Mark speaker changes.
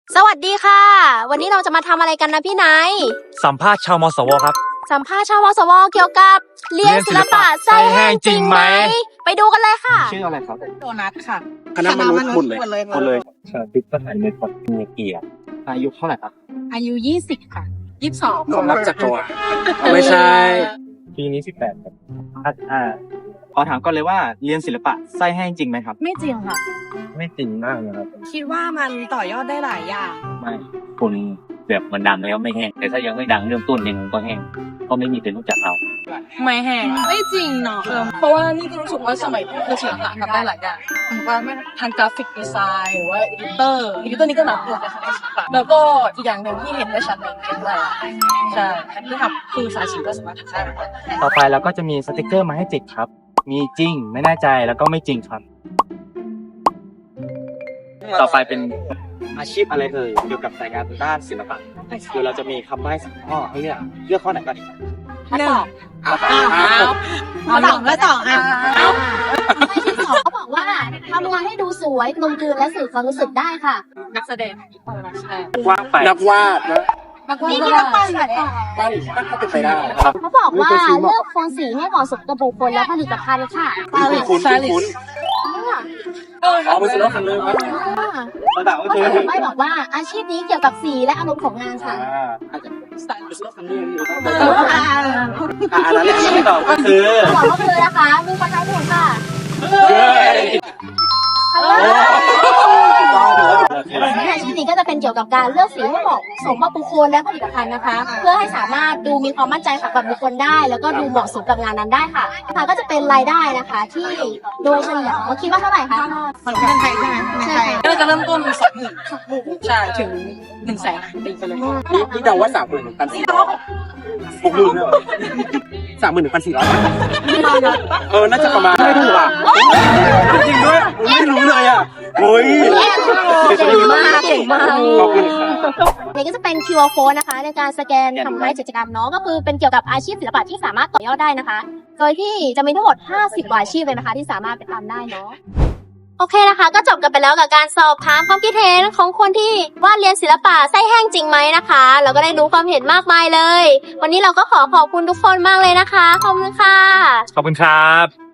Speaker 1: สวัสดีค่ะ วันนี้เราจะมาทำอะไรกันนะพี่ไนท์
Speaker 2: สัมภาษณ์ชาวมสวครับ
Speaker 1: สัมภาษณ์ชาววสวเกี่ยวกับเรียนศิลปะไส้แห้งจริงไหมไปดูกันเลยค่ะ
Speaker 2: ชื่ออะไรครับ
Speaker 3: โดนัทค่ะ
Speaker 2: คณะมนุษย์หมดเลย
Speaker 4: ชาติสถานในปัตตานีเกียรติ
Speaker 2: อายุเท่าไหร่ครับ
Speaker 3: อายุ20ค่ะ22
Speaker 2: ความรักจากตัวไม่ใช่
Speaker 4: ปีนี้18ครับ
Speaker 2: ขอถามก่อนเลยว่าเรียนศิลปะไส้แห้งจริงไหมครับ
Speaker 3: ไม่จริงค่ะ
Speaker 4: ไม่จริงมากนะครับ
Speaker 3: คิดว่ามันต่อยอดได้หลายอย่าง
Speaker 4: ไม่คุณแบบมันดังแล้วไม่แห้ง แต่ถ้ายังไม่ดังเริ่มต้นยังก็แห้งก็ไม่มีใครรู้จักเรา
Speaker 3: ไม่แห้งไม่จริงเนาะเพราะว่านี่ก็รู้สึกว่าสมัยนี้คือศิลปะทำได้หลายอย่างผมว่าไม่ทางกราฟิกดีไซน์หรือว่าเอดิเตอร์นี่ก็นับรวมในคณะศิลปะแล้วก็อีกอย่างหนึ่งที่เห็นได้ชัดเลยคืออะไรใช่ที่ทำคือสายศิลป์ก็สามารถทำได้
Speaker 2: ต่อไปเราก็จะมีสติกเกอร์มาให้ติดครับ มีจริงไม่แน่ใจแล้วก็ไม่จริงครับ ต่อไปเป็นอาชีพอะไรเอ่ยเกี่ยวกับสายงานด้านศิลปะคือเราจะมีคำใบ้สองข้อให้เลือกข้อไหนก่อนดีครับ
Speaker 3: หนึ่ง
Speaker 1: เอาสองแล้วสองอ่ะไม่ที่สองเขาบอกว่าทำงานให้ดูสวยกลมกลืนและสื่อความรู้สึกได้ค่ะ
Speaker 3: นักแสดงใช่
Speaker 2: ว่างไปนักวาดนะ
Speaker 1: นี่นักปั้นค่ะ
Speaker 2: ปั้นก็เป็นไปได้ครับ
Speaker 1: เขาบอกว่าเลือกโทนสีให้เหมาะสมกับบุคคลและผลิตภัณฑ์ค่ะ
Speaker 2: คุ้นเอาไปซื้อรถคันเลยครับระดับก็คือ
Speaker 1: ไม่บอกว่าอาชีพนี้เกี่ยวกับสีและอารมณ์ของงานค่ะ
Speaker 2: อาจจะสไตล์ไปซื้อรถคันนี้อันนั้นที่ตอบก็คือ
Speaker 1: บอกว่าคือนะคะมีคนทายถูกค่ะอาชีพนี้ก็จะเป็นเกี่ยวกับการเลือกสีให้เหมาะสมกับบุคคลและผลิตภัณฑ์นะคะ เพื่อให้สามารถดูมีความมั่นใจกับบุคคลได้ แล้วก็ดูเหมาะสมกับงานนั้นได้ค่ะก็จะเป็นรายได้นะคะ ที่โดยเฉลี่ยคิดว่าเท่าไหร่คะ
Speaker 3: มันเป็นไทยใช่ไหมใช่ก็จะเริ่มต้น20,000ใช่ถึง100,000ตีไปเลย
Speaker 2: นี่เดาว่า31,400 60,000เลย31,400น่าจะประมาณไม่ถูกอ่ะจริงด้วยไม่รู้เลยอ่ะโอ้ย
Speaker 1: เก่งมากเก่งมาก
Speaker 2: ขอบคุณครับ
Speaker 1: นี่ก็จะเป็น QR code นะคะในการสแกนทำให้กิจกรรมเนาะก็คือเป็นเกี่ยวกับอาชีพศิลปะที่สามารถต่อยอดได้นะคะ โดยที่จะมีทั้งหมด50กว่าอาชีพเลยนะคะที่สามารถไปทำได้เนาะโอเคนะคะ ก็จบกันไปแล้วกับการสอบถามความคิดเห็นของคนที่ว่าเรียนศิลปะไส้แห้งจริงไหมนะคะเราก็ได้รู้ความเห็นมากมายเลย วันนี้เราก็ขอบคุณทุกคนมากเลยนะคะขอบคุณค่ะ
Speaker 2: ขอบคุณครับ